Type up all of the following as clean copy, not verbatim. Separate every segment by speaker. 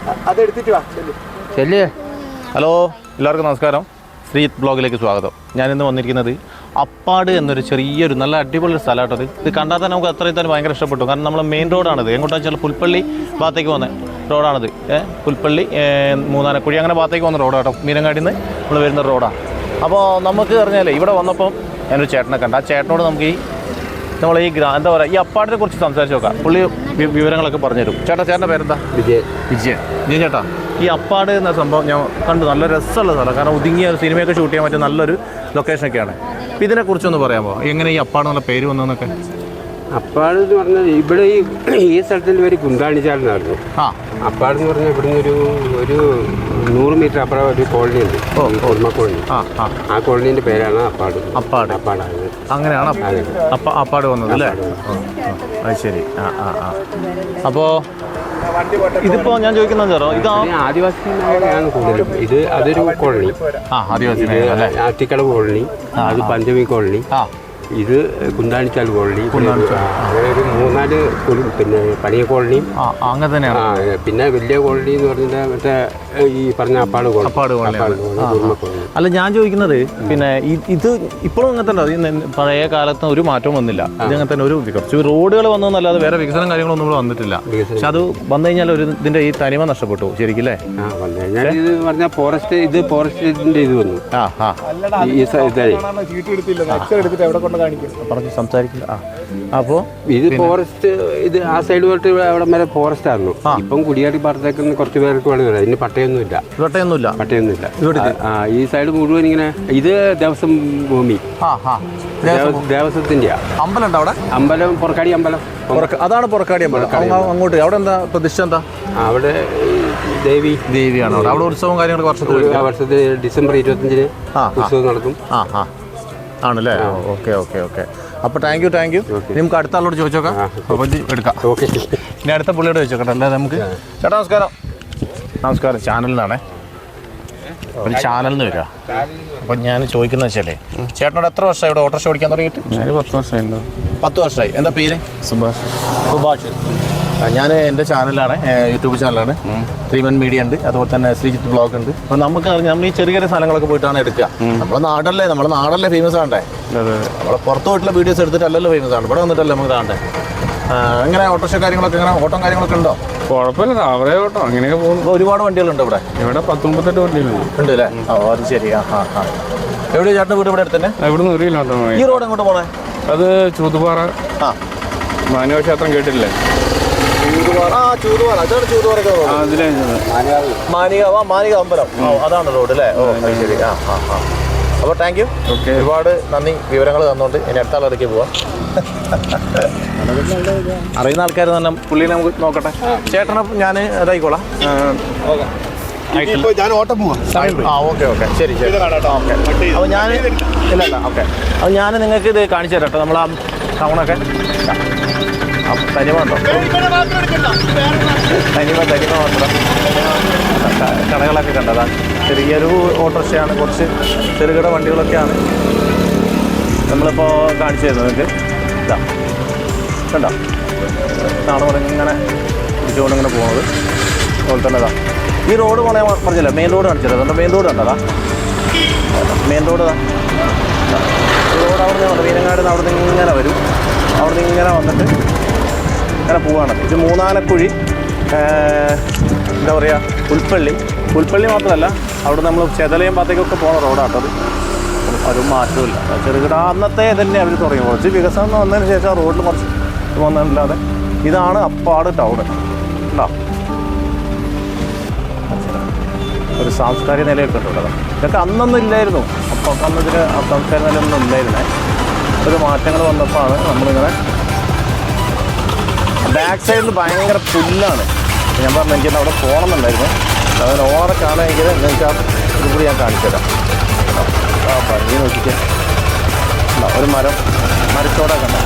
Speaker 1: അതെടുത്തിട്ട് വാ ചെല്ലേ. ഹലോ, എല്ലാവർക്കും നമസ്കാരം. ശ്രീജിത്ത് ബ്ലോഗിലേക്ക് സ്വാഗതം. ഞാനിന്ന് വന്നിരിക്കുന്നത് അപ്പാട് എന്നൊരു ചെറിയൊരു നല്ല അടിപൊളി സ്ഥലമായിട്ടത്. ഇത് കണ്ടാൽ തന്നെ നമുക്ക് അത്രയും തന്നെ ഭയങ്കര ഇഷ്ടപ്പെട്ടു. കാരണം നമ്മൾ മെയിൻ റോഡാണിത്. എങ്ങോട്ടാണെന്ന് വെച്ചാൽ പുൽപ്പള്ളി ഭാഗത്തേക്ക് വന്ന റോഡാണിത്. പുൽപ്പള്ളി മൂന്നാനക്കുഴി അങ്ങനെ ഭാഗത്തേക്ക് വന്ന റോഡാട്ടോ. മീനങ്ങാടിയിൽ നിന്ന് നമ്മൾ വരുന്ന റോഡാണ്. അപ്പോൾ നമുക്ക് പറഞ്ഞാലേ ഇവിടെ വന്നപ്പം ഞാനൊരു ചേട്ടനെ കണ്ട. ആ ചേട്ടനോട് നമുക്ക് നമ്മൾ എന്താ പറയുക, ഈ അപ്പാടിനെ കുറിച്ച് സംസാരിച്ച് നോക്കാം. പുള്ളി വിവരങ്ങളൊക്കെ പറഞ്ഞുതരും. ചേട്ടൻ്റെ പേരെന്താ? വിജയൻ ചേട്ടാ, ഈ അപ്പാട് എന്ന സംഭവം ഞാൻ കണ്ടു. നല്ല രസമുള്ള സ്ഥലം. കാരണം ഒതുങ്ങിയ ഒരു സിനിമയൊക്കെ ഷൂട്ട് ചെയ്യാൻ പറ്റിയ നല്ലൊരു ലൊക്കേഷനൊക്കെയാണ്. അപ്പോൾ ഇതിനെക്കുറിച്ചൊന്ന് പറയാമോ, എങ്ങനെ ഈ അപ്പാട് എന്നുള്ള പേര് വന്നതെന്നൊക്കെ?
Speaker 2: അപ്പാട് എന്ന് പറഞ്ഞാൽ ഇവിടെ ഈ സ്ഥലത്തിൻ്റെ പേര് കുന്താണിച്ചാലെന്നായിരുന്നു. അപ്പാട് എന്ന് പറഞ്ഞാൽ ഇവിടുന്ന് ഒരു 100 മീറ്റർ അപ്പുറം ഒരു കോളനി ഉണ്ട്, ഓർമ്മ കോളനി. ആ കോളനീൻ്റെ പേരാണ് അപ്പാടായത്.
Speaker 1: അങ്ങനെയാണ് അപ്പാട് വന്നത് അല്ലേ? അത് ശരി. അപ്പോൾ ഇതിപ്പോ ഞാൻ ചോദിക്കുന്നത് ഇത്
Speaker 2: ആദിവാസി മേഖലയാണ് കൂടുതലും. അതൊരു കോളനി,
Speaker 1: ആദിവാസി
Speaker 2: ആറ്റിക്കടവ് കോളനി, അത് പഞ്ചമി കോളനി, ഇത് കുന്താണിച്ചാൽ കോളനി, അങ്ങനെ ഒരു 3-4 പിന്നെ പണിയ കോളനിയും
Speaker 1: അങ്ങനെ തന്നെയാണ്.
Speaker 2: പിന്നെ വലിയ കോളനി എന്ന് പറഞ്ഞാൽ മറ്റേ ഈ പറഞ്ഞ അപ്പാട് കോളനി.
Speaker 1: അല്ല, ഞാൻ ചോദിക്കുന്നത് പിന്നെ ഇത് ഇപ്പോഴും അങ്ങനെ തന്നെ പഴയ കാലത്ത് ഒരു മാറ്റവും വന്നില്ല. ഇത് അങ്ങനെ തന്നെ കുറച്ച് റോഡുകൾ വന്നതല്ലാതെ വേറെ വികസനം കാര്യങ്ങളൊന്നും ഇവിടെ വന്നിട്ടില്ല. പക്ഷെ അത് വന്നു കഴിഞ്ഞാൽ ഇതിന്റെ ഈ തനിമ നഷ്ടപ്പെട്ടു ശരിക്കും അല്ലേ?
Speaker 2: ഇത് പറഞ്ഞാൽ ഫോറസ്റ്റിന്റെ ഇത് വന്നു.
Speaker 1: സംസാരിക്കില്ല. അപ്പോൾ
Speaker 2: ഇത് ഫോറസ്റ്റ്, ഇത് ആ സൈഡ് പോയിട്ട് അവിടെ വരെ ഫോറസ്റ്റ് ആയിരുന്നു. ഇപ്പം കുടിയാടി ഭാഗത്തേക്ക് കുറച്ച് പേർക്ക് വേണം വരാം. ഇതിന് പട്ടയൊന്നുമില്ല. ഈ സൈഡ് മുഴുവൻ ഇങ്ങനെ ഇത് ദേവസ്വം ഭൂമി, ദേവസ്വത്തിന്റെ
Speaker 1: അമ്പലം ഉണ്ട് അവിടെ.
Speaker 2: അമ്പലം പൊറക്കാടി അമ്പലം,
Speaker 1: അതാണ് പൊറക്കാടി അമ്പലം. അങ്ങോട്ട് അവിടെ എന്താ പ്രതിഷ്ഠ? എന്താ
Speaker 2: അവിടെ
Speaker 1: ദേവിയാണ് അവിടെ ഉത്സവം കാര്യങ്ങളൊക്കെ
Speaker 2: വർഷത്തിൽ ഡിസംബർ 25-ന് ഉത്സവം നടക്കും.
Speaker 1: ആണല്ലേ? ഓക്കെ. അപ്പോൾ താങ്ക് യു. നമുക്ക് അടുത്ത ആളോട് ചോദിച്ചോക്കാം. അപ്പോൾ എടുക്കാം. ഇനി അടുത്ത പുള്ളിയോട് ചോദിച്ചോക്കട്ടെ. അല്ലേ നമുക്ക്. ചേട്ടാ നമസ്കാരം. ചാനലിൽ നിന്നാണേ. ഒരു ചാനലിൽ നിന്ന് വരിക. അപ്പം ഞാൻ ചോദിക്കുന്നത് വെച്ചാലേ, ചേട്ടനോട് എത്ര വർഷമായി ഇവിടെ ഓട്ടോറിക്ഷ ഓടിക്കാൻ തുടങ്ങിയിട്ട്?
Speaker 2: 10 വർഷമായിട്ടുണ്ടോ?
Speaker 1: 10 വർഷമായി. എന്താ പേര്? സുഭാഷ്. ഞാൻ എൻ്റെ ചാനലാണ്, യൂട്യൂബ് ചാനലാണ്. 3 മീഡിയ ഉണ്ട്, അതുപോലെ തന്നെ ശ്രീജിത്ത് ബ്ലോഗ് ഉണ്ട്. അപ്പോൾ നമുക്ക് നമ്മൾ ഈ ചെറിയ സ്ഥലങ്ങളൊക്കെ പോയിട്ടാണ് എടുക്കുക. നമ്മുടെ നാടല്ലേ ഫേമസ് ആണ്ടേ? നമ്മളെ പുറത്ത് പോയിട്ടുള്ള വീഡിയോസ് എടുത്തിട്ടല്ലല്ലോ ഫേമസ് ആണ്. ഇവിടെ വന്നിട്ടല്ലേ നമുക്ക് കാണണ്ടേ? എങ്ങനെ ഓട്ടോറിക്ഷ കാര്യങ്ങളൊക്കെ, എങ്ങനെ ഓട്ടം കാര്യങ്ങളൊക്കെ ഉണ്ടോ?
Speaker 2: കുഴപ്പമില്ല, അവരെ ഓട്ടോ അങ്ങനെയൊക്കെ പോകുന്നു.
Speaker 1: ഒരുപാട് വണ്ടികളുണ്ട് ഇവിടെ.
Speaker 2: 10-38 വണ്ടികളുണ്ട്.
Speaker 1: ഉണ്ട് അല്ലേ? അത് ശരി. എവിടെയാണ് ചേട്ടൻ്റെ വീട്? ഇവിടെ അടുത്ത് തന്നെ.
Speaker 2: ഇവിടുന്ന് 1 കിലോമീറ്റർ.
Speaker 1: ഈ റോഡ് എങ്ങോട്ട് പോണേ?
Speaker 2: അത് ചൂതുപാറ. മാനവ ക്ഷേത്രം കേട്ടില്ലേ?
Speaker 1: ചൂതുപാറ. അതാണ് ചൂതുപാറ മാനിക അമ്പലം. അതാണ് റോഡ് അല്ലേ? ശരി. അപ്പോൾ താങ്ക് യു. ഒരുപാട് നന്ദി വിവരങ്ങൾ തന്നുകൊണ്ട്. ഇനി അടുത്ത ആളിടയ്ക്ക് പോവാം. അറിയുന്ന ആൾക്കാർ തന്നെ പുള്ളിനെ നമുക്ക് നോക്കട്ടെ. ചേട്ടനെ ഞാൻ ഇതായിക്കോളാം.
Speaker 3: ഞാൻ ഓട്ടം പോവാം.
Speaker 1: ഓക്കെ ശരി. അപ്പോൾ ഞാൻ ഇല്ല. ഓക്കെ. അപ്പോൾ ഞാൻ നിങ്ങൾക്ക് ഇത് കാണിച്ചു തരാം കേട്ടോ. നമ്മൾ ആ ടൗണൊക്കെ തനിമ ഉണ്ടോ? തനിമ മാത്രം. കടകളൊക്കെ കണ്ടതാണ്. ചെറിയൊരു ഓട്ടോറിക്ഷയാണ്, കുറച്ച് ചെറുകിട വണ്ടികളൊക്കെയാണ് നമ്മളിപ്പോൾ കാണിച്ചു തരുന്നത്. നിങ്ങൾക്ക് ഇതാ കണ്ടോ? ഇതാണ് ഇങ്ങനെ ഇങ്ങനെ പോകുന്നത്. അതുപോലെ തന്നെ ഇതാ ഈ റോഡ് പോണേ പറഞ്ഞില്ല, മെയിൻ റോഡ് കാണിച്ചത്. അതുകൊണ്ട് മെയിൻ റോഡ് കണ്ടതാ, മെയിൻ റോഡ് ഈ റോഡ് അവിടെ നിന്ന് മീനങ്ങാട് നിന്ന് അവിടെ നിന്ന് ഇങ്ങനെ വരും. അവിടെ നിന്ന് ഇങ്ങനെ വന്നിട്ട് ഇങ്ങനെ പോവാണ്. ഇത് മൂന്നാനക്കുഴി, എന്താ പറയുക, പുൽപ്പള്ളി മാത്രമല്ല, അവിടെ നമ്മൾ ചെതലയം ഭാഗത്തേക്കൊക്കെ പോകുന്ന റോഡാട്ടത്. ഒരു മാറ്റമില്ല. ചെറുകിട അന്നത്തെ തന്നെ അവർ തുടങ്ങി. കുറച്ച് വികസനം വന്നതിന് ശേഷം ആ റോഡിൽ കുറച്ച് വന്നതല്ലാതെ. ഇതാണ് അപ്പാട് ടൗൺ. ഉണ്ടോ? ഒരു സാംസ്കാരിക നിലയൊക്കെ ഉണ്ട്. ഇതൊക്കെ അന്നൊന്നും ഇല്ലായിരുന്നു. അപ്പം അന്നതിന് സാംസ്കാരിക നിലയൊന്നും ഇല്ലായിരുന്നേ. ഒരു മാറ്റങ്ങൾ വന്നപ്പോഴാണ് നമ്മളിങ്ങനെ. ബാക്ക് സൈഡിൽ ഭയങ്കര പുല്ലാണ്. ഞാൻ പറഞ്ഞു എനിക്കത് അവിടെ പോകണമെന്നുണ്ടായിരുന്നു. അതിന് ഓറെ കാണുമെങ്കിൽ നിങ്ങൾക്ക് ആ ഇതുകൂടി ഞാൻ കാണിച്ചു തരാം. ഭംഗി നോക്കിക്കാൻ ഒരു മരത്തോടൊക്കെ ഉണ്ട്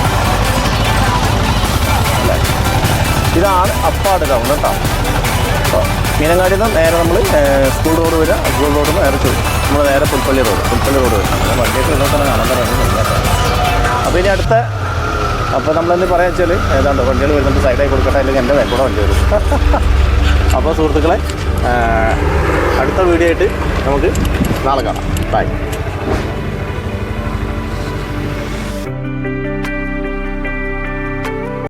Speaker 1: അല്ലേ? ഇതാണ് അപ്പാട് ടൗൺ കേട്ടോ. മീനങ്ങാടിയിൽ നിന്ന് നേരെ നമ്മൾ സ്കൂൾ റോഡ് വരിക. സ്കൂൾ റോഡ് നേരെ നമ്മൾ നേരെ പുൽപ്പള്ളി റോഡ് വരും. അങ്ങനെ വണ്ടിയൊക്കെ ഇവിടെ തന്നെ കാണാൻ പറയുന്നത്. അപ്പോൾ ഇനി അടുത്ത അപ്പോൾ നമ്മളെന്ത് പറയാ വെച്ചാൽ ഏതാണ്ട് വണ്ടികൾ വരുന്നുണ്ട്, സൈഡായി കൊടുക്കട്ടെ, അല്ലെങ്കിൽ എൻ്റെ വേക്കൂടെ വണ്ടി വരും. അപ്പോൾ സുഹൃത്തുക്കളെ അടുത്ത വീഡിയോ ആയിട്ട് നമുക്ക് നാളെ കാണാം. ബൈ.